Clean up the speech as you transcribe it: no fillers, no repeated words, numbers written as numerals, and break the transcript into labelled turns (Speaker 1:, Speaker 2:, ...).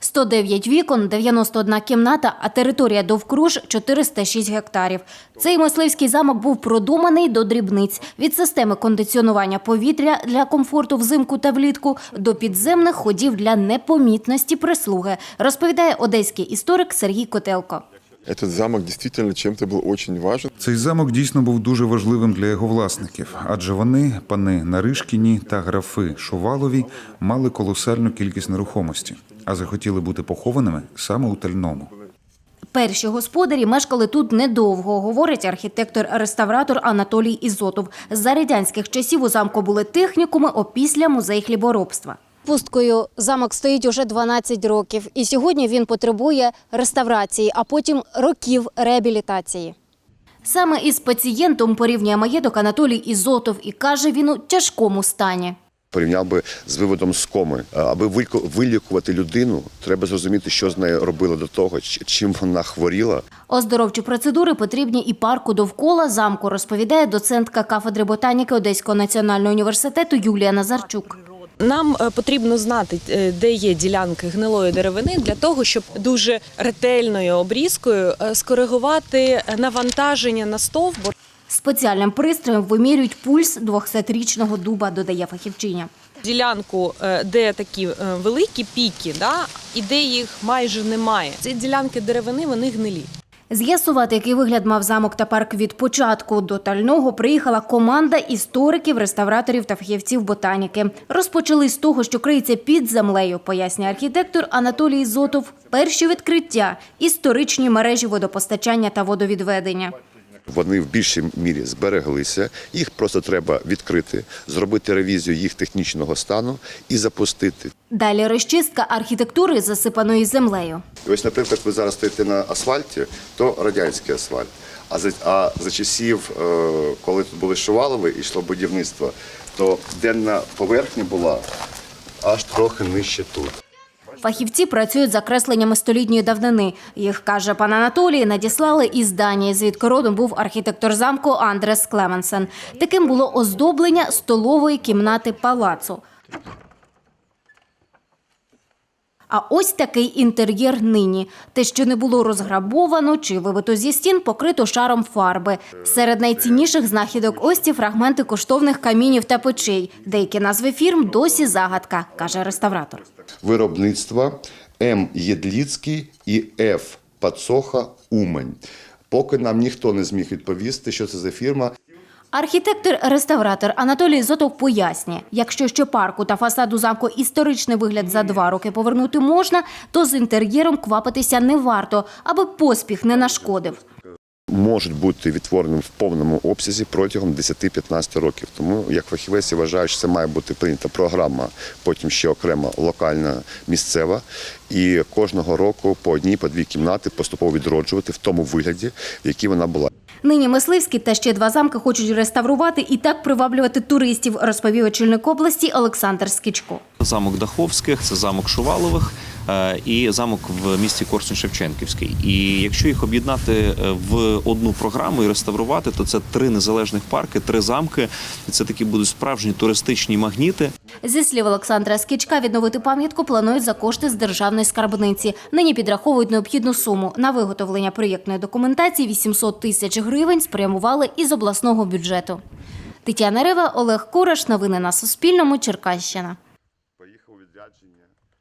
Speaker 1: 109 вікон, 91 кімната, а територія довкруж – 406 гектарів. Цей мисливський замок був продуманий до дрібниць. Від системи кондиціонування повітря для комфорту взимку та влітку до підземних ходів для непомітності прислуги, розповідає одеський історик Сергій Котелко.
Speaker 2: Этот замок действительно чем-то был очень важен.
Speaker 3: Цей замок дійсно був дуже важливим для його власників, адже вони, пани Наришкіні та графи Шувалові, мали колосальну кількість нерухомості, а захотіли бути похованими саме у Тальному.
Speaker 1: Перші господарі мешкали тут недовго, говорить архітектор-реставратор Анатолій Ізотов. За радянських часів у замку були технікуми, опісля – музей хліборобства. Пусткою замок стоїть уже 12 років, і сьогодні він потребує реставрації, а потім років реабілітації. Саме із пацієнтом порівнює маєток Анатолій Ізотов і каже, він у тяжкому стані.
Speaker 4: Порівняв би з виводом з коми. Аби вилікувати людину, треба зрозуміти, що з нею робили до того, чим вона хворіла.
Speaker 1: Оздоровчі процедури потрібні і парку довкола замку, розповідає доцентка кафедри ботаніки Одеського національного університету Юлія Назарчук.
Speaker 5: Нам потрібно знати, де є ділянки гнилої деревини, для того, щоб дуже ретельною обрізкою скоригувати навантаження на стовбур.
Speaker 1: Спеціальним пристроєм вимірюють пульс 200-річного дуба, додає фахівчиня.
Speaker 5: Ділянку, де такі великі піки, і де їх майже немає. Ці ділянки деревини, вони гнилі.
Speaker 1: З'ясувати, який вигляд мав замок та парк від початку до Тального, приїхала команда істориків, реставраторів та фахівців ботаніки. Розпочали з того, що криється під землею, пояснює архітектор Анатолій Ізотов. Перші відкриття – історичні мережі водопостачання та водовідведення.
Speaker 4: Вони в більшій мірі збереглися, їх просто треба відкрити, зробити ревізію їх технічного стану і запустити.
Speaker 1: Далі розчистка архітектури, засипаної землею.
Speaker 4: І ось, наприклад, ви зараз стоїте на асфальті, то радянський асфальт. А за часів, коли тут були Шувалови і йшло будівництво, то денна поверхня була аж трохи нижче тут.
Speaker 1: Фахівці працюють за кресленнями столітньої давнини. Їх, каже пан Анатолій, надіслали із Данії, звідки родом був архітектор замку Андрес Клеменсен. Таким було оздоблення столової кімнати палацу. А ось такий інтер'єр нині. Те, що не було розграбовано чи вибито зі стін, покрито шаром фарби. Серед найцінніших знахідок – ось ці фрагменти коштовних камінів та печей. Деякі назви фірм досі загадка, каже реставратор.
Speaker 4: Виробництва М. Єдліцький і Ф. Пацоха Умань. Поки нам ніхто не зміг відповісти, що це за фірма.
Speaker 1: Архітектор-реставратор Анатолій Ізотов пояснює, якщо ще парку та фасаду замку історичний вигляд за 2 роки повернути можна, то з інтер'єром квапитися не варто, аби поспіх не нашкодив.
Speaker 4: Можуть бути відтвореним в повному обсязі протягом 10-15 років. Тому, як фахівець, я вважаю, що це має бути прийнята програма, потім ще окрема локальна, місцева. І кожного року по 1-2 кімнати поступово відроджувати в тому вигляді, в якій вона була.
Speaker 1: Нині Мисливський та ще 2 замки хочуть реставрувати і так приваблювати туристів, розповів очільник області Олександр Скічко.
Speaker 6: Замок Даховських, це замок Шувалових і замок в місті Корсунь-Шевченківський. І якщо їх об'єднати в одну програму і реставрувати, то це 3 незалежних парки, 3 замки. І це такі будуть справжні туристичні магніти.
Speaker 1: Зі слів Олександра Скічка, відновити пам'ятку планують за кошти з державної скарбниці. Нині підраховують необхідну суму. На виготовлення проєктної документації 800 тисяч гривень спрямували із обласного бюджету. Тетяна Рева, Олег Кураш. Новини на Суспільному. Черкащина.